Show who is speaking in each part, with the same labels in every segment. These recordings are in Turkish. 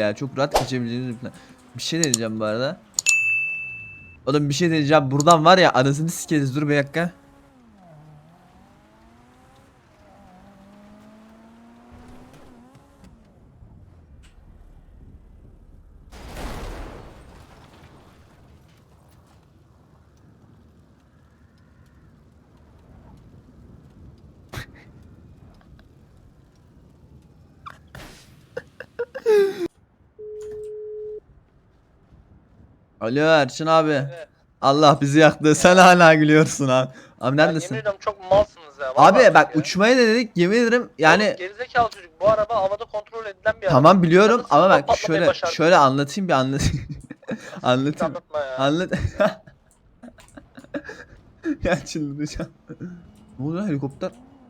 Speaker 1: ya. Çok rahat kaçabileceğimiz bir plan. Bir şey deneyeceğim bu arada. Oğlum bir şey deneyeceğim. Buradan var ya anasını sikeriz. Dur bir dakika. Alo Erçin abi.
Speaker 2: Evet.
Speaker 1: Allah bizi yaktı. Sen hala gülüyorsun abi. Abi
Speaker 2: Ya
Speaker 1: neredesin?
Speaker 2: yemin ediyorum çok malsınız ya.
Speaker 1: Abi
Speaker 2: vallahi
Speaker 1: bak
Speaker 2: ya.
Speaker 1: uçmaya denedik. Yemin ederim yani
Speaker 2: Oğlum gerizekalı çocuk. Bu araba havada kontrol edilen bir araba.
Speaker 1: tamam biliyorum
Speaker 2: Nasıl
Speaker 1: ama
Speaker 2: siz
Speaker 1: bak
Speaker 2: patlamayı
Speaker 1: şöyle
Speaker 2: başardınız?
Speaker 1: şöyle anlatayım bir anlatayım.
Speaker 2: Hiç
Speaker 1: Anlatayım.
Speaker 2: anlatma ya.
Speaker 1: Anlat. Ya çıldıracağım. Ne oluyor lan, helikopter?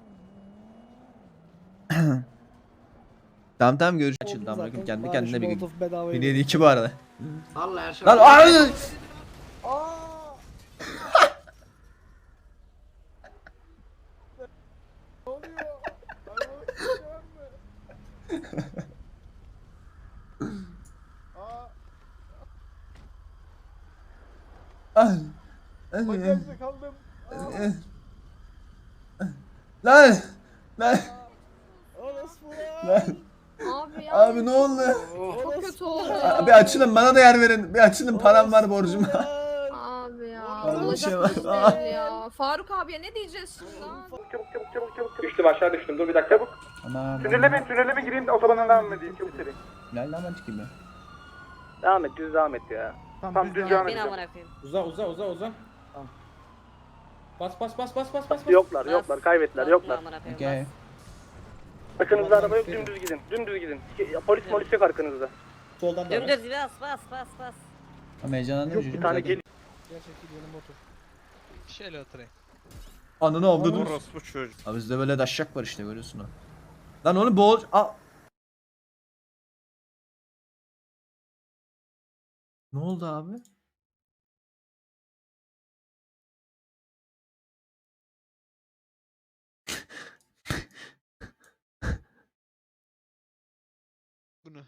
Speaker 1: Tamam tamam görüş açıldı amına koyayım kendi kendine bir gün. Beni yedi iki bu arada.
Speaker 3: Allah her şey.
Speaker 1: Lan ay! Ay.
Speaker 4: Bagajda kaldım.
Speaker 1: Lan! Lan!
Speaker 4: Orospu.
Speaker 1: Lan!
Speaker 5: Abi ya.
Speaker 1: Abi ne oldu?
Speaker 5: Çok kötü oldu.
Speaker 1: Bir açılın bana da yer verin. Bir açılın param var borcum var.
Speaker 5: Abi ya.
Speaker 1: Abi bir
Speaker 5: Olacak
Speaker 1: şey var.
Speaker 5: iş değil ya. Faruk abiye ne diyeceğiz şimdi lan?
Speaker 4: Çabuk. Düştüm aşağı düştüm. Dur bir dakika. Çabuk.
Speaker 1: Aman.
Speaker 4: Tünele mi gireyim otobandan devam edeyim. Çabuk seri.
Speaker 1: Lan ben çıkayım ya.
Speaker 2: Devam et düz devam et ya.
Speaker 4: Tamam düz devam edeceğim.
Speaker 6: Uza. Tamam. Bas.
Speaker 2: Yoklar kaybettiler.
Speaker 1: Okey.
Speaker 2: Arkanızda araba yok dümdüz gidin. Dümdüz gidin. Polis yok arkanızda.
Speaker 6: Soldan da.
Speaker 7: Dümdüz bas.
Speaker 1: Ama heyecanlandım
Speaker 2: Yok
Speaker 1: çocuğum
Speaker 2: bir tane
Speaker 1: zaten.
Speaker 2: gel.
Speaker 6: Şöyle oturayım.
Speaker 1: Ananı avda dur.
Speaker 4: Orospu çocuk.
Speaker 1: Abi bizde böyle daşşak var işte görüyorsun ha. Lan onu boğul... Aa! Ne oldu abi?
Speaker 6: Bunu.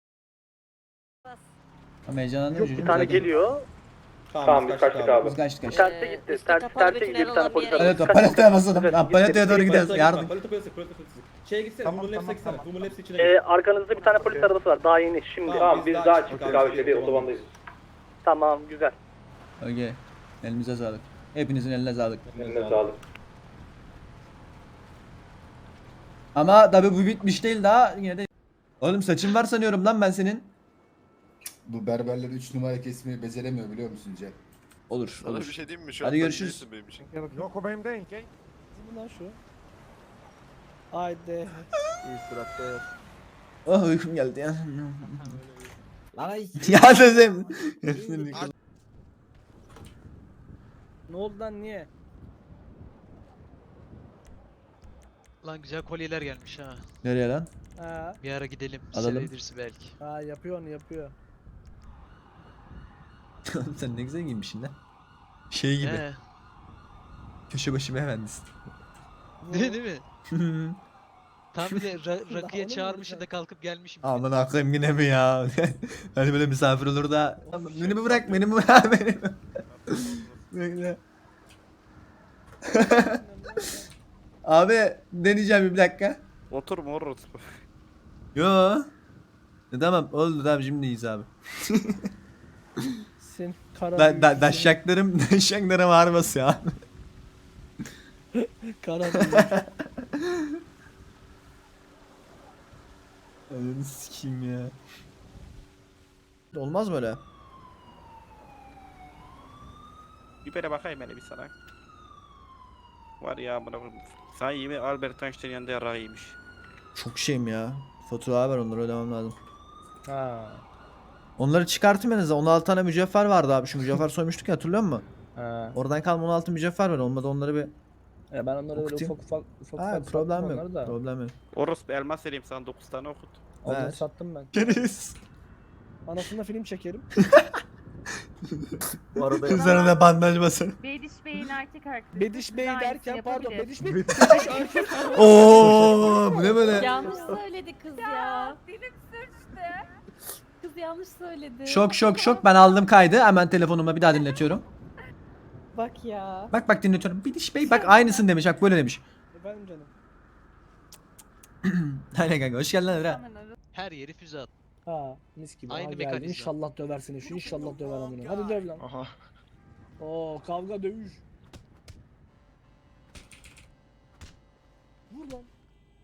Speaker 1: Ama heyecanlandım
Speaker 2: Yok
Speaker 1: çocuğum
Speaker 2: bir tane
Speaker 1: zaten.
Speaker 2: geliyor.
Speaker 4: Tamam biz kaçtık abi.
Speaker 1: Biz kaçtık.
Speaker 2: Terse gitti.
Speaker 7: üstte kapalı
Speaker 2: Terse
Speaker 7: bir
Speaker 2: gidiyor bir
Speaker 7: tünel
Speaker 2: tane
Speaker 7: olan
Speaker 2: polis
Speaker 7: bir yere
Speaker 2: arabası.
Speaker 1: Evet paleteye basalım. Lan paleteye doğru gidiyoruz.
Speaker 6: Palete
Speaker 1: Yardım.
Speaker 6: gitme, palete piyasa. Şeye gitsene,
Speaker 4: Tamam,
Speaker 6: Human Labs'e
Speaker 4: tamam,
Speaker 6: gitsene.
Speaker 4: tamam.
Speaker 6: Human Labs içine git.
Speaker 2: Arkanızda bir tane polis arabası var. Daha yeni şimdi.
Speaker 4: Tamam biz daha çıktık abi şeyde otobandayız.
Speaker 2: Tamam güzel.
Speaker 1: Okey. Elimize sağlık. Hepinizin eline sağlık.
Speaker 4: Eline sağlık.
Speaker 1: Ama tabi bu bitmiş değil daha yine de. Oğlum saçın var sanıyorum lan ben senin.
Speaker 8: Bu berberler 3 numara kesmeyi beceremiyor biliyor musun Cem?
Speaker 1: Olur
Speaker 9: Sana
Speaker 1: olur.
Speaker 9: bir şey diyeyim mi? Şu
Speaker 1: Hadi
Speaker 9: an
Speaker 1: görüşürüz.
Speaker 9: sen değilsin benim için.
Speaker 4: Yok o benim değil.
Speaker 10: Lan şu. Haydi.
Speaker 2: İyi suratte.
Speaker 1: Oh uykum geldi ya.
Speaker 10: Lan ay.
Speaker 1: Ya dedim.
Speaker 10: Ne oldu lan niye?
Speaker 6: Lan güzel kolyeler gelmiş ha.
Speaker 1: Nereye lan?
Speaker 10: Ha,
Speaker 6: Bir ara gidelim.
Speaker 1: Alalım.
Speaker 6: Sevedirsin belki.
Speaker 10: ha yapıyor onu yapıyor.
Speaker 1: Oğlum sen ne güzel giyinmişsin lan. Şey gibi.
Speaker 6: He.
Speaker 1: Köşe başı beyefendisin.
Speaker 6: Değil mi? Tam bir de rakıya
Speaker 10: Onu mu
Speaker 6: çağırmışım da
Speaker 10: vuracak?
Speaker 6: kalkıp gelmişim.
Speaker 1: Aman akıyım yine mi ya? Hani böyle misafir olur da. Beni mi bırak beni mi bırak beni mi? Bekle. Abi deneyeceğim bir dakika.
Speaker 4: Motor mu orospu?
Speaker 1: Yo. Tamam oldu tamam şimdi iyiyiz abi.
Speaker 10: Sen kara
Speaker 1: Daşşaklarım ağır basıyor abi.
Speaker 10: kara
Speaker 1: Ananı sikeyim ya. Olmaz mı öyle?
Speaker 4: Bir böyle bakayım hele bir sana. Var ya bana sen yemin Albert Einstein yanında yarağı yemiş.
Speaker 1: Çok şeyim ya. Faturalar var onları ödemem lazım.
Speaker 10: Ha.
Speaker 1: Onları çıkartayım en azından. 16 tane mücevher vardı abi. Şu mücevher soymuştuk ya hatırlıyor musun?
Speaker 10: Ha.
Speaker 1: Oradan kalma 16 mücevher var. Olmadı onları bir...
Speaker 10: Ya ben onları böyle
Speaker 1: Okutayım.
Speaker 10: ufak
Speaker 1: Ha
Speaker 10: sattım
Speaker 1: problem
Speaker 10: onları
Speaker 1: yok.
Speaker 10: da.
Speaker 1: Problem yok.
Speaker 4: Orospu elmas vereyim sana 9 tane okut.
Speaker 10: Onları
Speaker 1: Ver.
Speaker 10: sattım ben.
Speaker 1: Keriz.
Speaker 10: Anasında film çekerim.
Speaker 2: Bu arada
Speaker 1: Üzerine bandaj basın.
Speaker 11: Bediş Bey'in erkek arkadaşı.
Speaker 10: Bediş Bey
Speaker 11: Aynısını
Speaker 10: derken pardon
Speaker 11: yapabilir.
Speaker 10: Bediş Bey. Bediş erkek.
Speaker 1: Oo, bu ne böyle?
Speaker 5: Yanlış söyledi kız ya.
Speaker 11: Dilim sürçtü.
Speaker 3: Kız yanlış söyledi.
Speaker 1: Şok. Ben aldım kaydı. Hemen telefonuma bir daha dinletiyorum.
Speaker 3: Bak ya.
Speaker 1: Bak dinletiyorum. Bidiş Bey bak aynısın demiş. Bak böyle demiş.
Speaker 10: Efendim canım.
Speaker 1: Aynen kanka hoş geldin Emre.
Speaker 6: Her yeri füze at.
Speaker 10: Ha mis gibi.
Speaker 6: Aynı
Speaker 10: Aynı geldi.
Speaker 6: mekanizma.
Speaker 10: İnşallah döversin şu. İnşallah döver amına. Hadi döv lan.
Speaker 6: Aha.
Speaker 10: Oo kavga dövüş. Vur lan.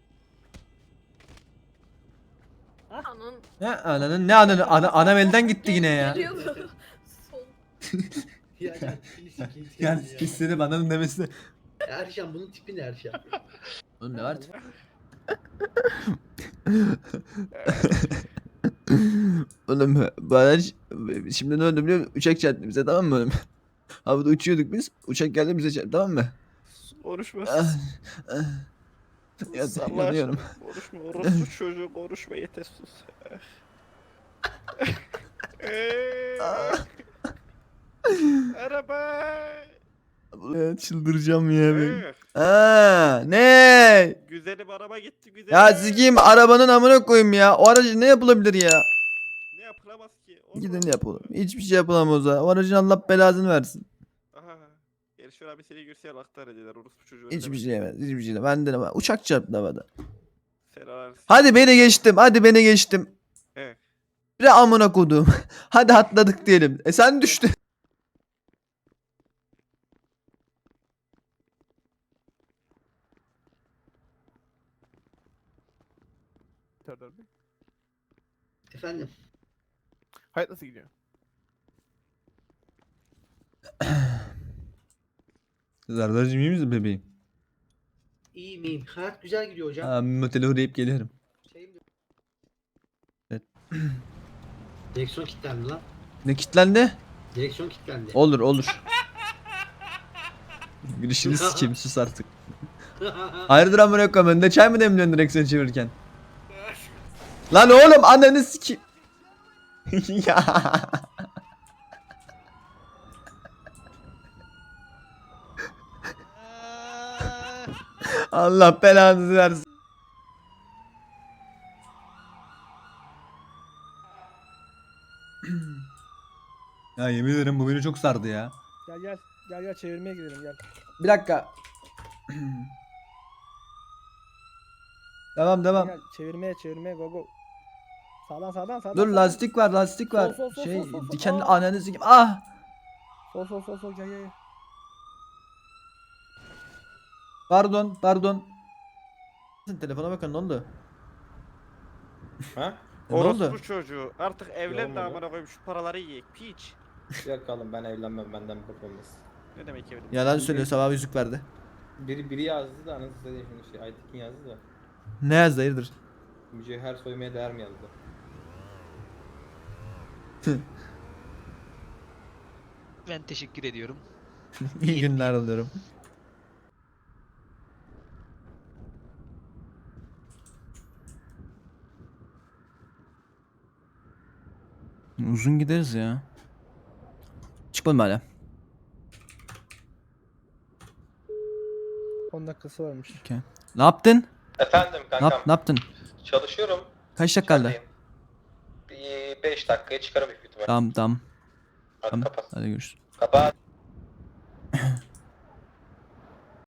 Speaker 5: Anın
Speaker 1: Ne ananın ne ananı anam elden gitti yine ya.
Speaker 5: geliyordu. Sol.
Speaker 1: Yani istedim ananın demesi.
Speaker 7: Erşan bunun tipi ne Erşan?
Speaker 1: Oğlum ne var? Oğlum baraj şimdi ne oldu biliyor musun? Uçak çarptı bize tamam mı oğlum? Havada uçuyorduk biz. Uçak geldi bize çarptı tamam mı?
Speaker 4: Konuşma.
Speaker 1: Ya
Speaker 4: Allah
Speaker 1: yanıyorum.
Speaker 4: aşkına, Konuşma. Orospu çocuğu konuşma yeter sus. Araba.
Speaker 1: Ya çıldıracağım ya ben.
Speaker 4: Eh,
Speaker 1: Aa, ne?
Speaker 4: Güzelim araba gitti güzelim.
Speaker 1: Ya sikeyim arabanın amına koyayım ya. O aracı ne yapılabilir ya?
Speaker 4: Ne yapılamaz ki? Olmaz.
Speaker 1: Gidin yapalım. Hiçbir şey yapılamaz ha. O aracın Allah belasını versin.
Speaker 4: Aha. Gelişiyor abi seni görse aktar ediler orospu çocuğu.
Speaker 1: Hiçbir şey yemez. Hiçbir şey de. Ben de uçak çarptı havada.
Speaker 4: Selam.
Speaker 1: Hadi beni geçtim. Hadi beni geçtim.
Speaker 4: Evet.
Speaker 1: Bir amına kodum. Hadi atladık diyelim. Sen düştün.
Speaker 7: Efendim.
Speaker 10: Hayat nasıl gidiyor?
Speaker 1: Zardar'cığım iyi misin bebeğim?
Speaker 7: İyi miyim? Hayat güzel gidiyor hocam.
Speaker 1: Aa, motele uğrayıp geliyorum.
Speaker 7: Şeyim de-
Speaker 1: Evet.
Speaker 7: Direksiyon kilitlendi lan.
Speaker 1: Ne kitlendi?
Speaker 7: Direksiyon kilitlendi.
Speaker 1: Olur. Gülüşünü sikeyim sus artık. Hayırdır amına koyayım önünde çay mı demliyorsun direksiyonu çevirirken? Lan oğlum ananı sikeyim. Ya. Allah belanızı versin. Ya yemin ederim bu beni çok sardı ya.
Speaker 10: Gel çevirmeye gidelim gel.
Speaker 1: Bir dakika. Devam.
Speaker 10: Gel çevirmeye go. Sağdan.
Speaker 1: Dur lastik var.
Speaker 10: Sol.
Speaker 1: Şey
Speaker 10: Sol.
Speaker 1: dikenli
Speaker 10: Aa.
Speaker 1: ananı sikeyim. Ah!
Speaker 10: Sol gel.
Speaker 1: Pardon. Telefona bakın ne oldu?
Speaker 9: Ha?
Speaker 1: Ne oldu?
Speaker 4: Orospu çocuğu. Artık evlen de
Speaker 9: Olmadı.
Speaker 4: amına koyayım şu paraları yiyek. Piç.
Speaker 9: Yakalım ben evlenmem benden bir bok olmaz.
Speaker 4: Ne demek evlen?
Speaker 1: Yalan söylüyor sabah yüzük verdi.
Speaker 9: Biri yazdı da anasını satayım şimdi şey Aytekin yazdı da.
Speaker 1: Ne yazdı hayırdır?
Speaker 9: Mücevher soymaya değer mi yazdı?
Speaker 6: Ben teşekkür ediyorum.
Speaker 1: İyi günler alıyorum. Uzun gideriz ya. Çıkmadım hala.
Speaker 10: 10 dakikası varmış.
Speaker 1: Ne yaptın?
Speaker 9: Efendim
Speaker 1: Ne yaptın?
Speaker 9: Çalışıyorum.
Speaker 1: Kaç dakika kaldı?
Speaker 9: Bir 5 dakikaya çıkarım büyük ihtimal.
Speaker 1: Tamam.
Speaker 9: Hadi
Speaker 1: Tamam.
Speaker 9: kapat.
Speaker 1: Hadi görüşürüz.
Speaker 9: Kapat.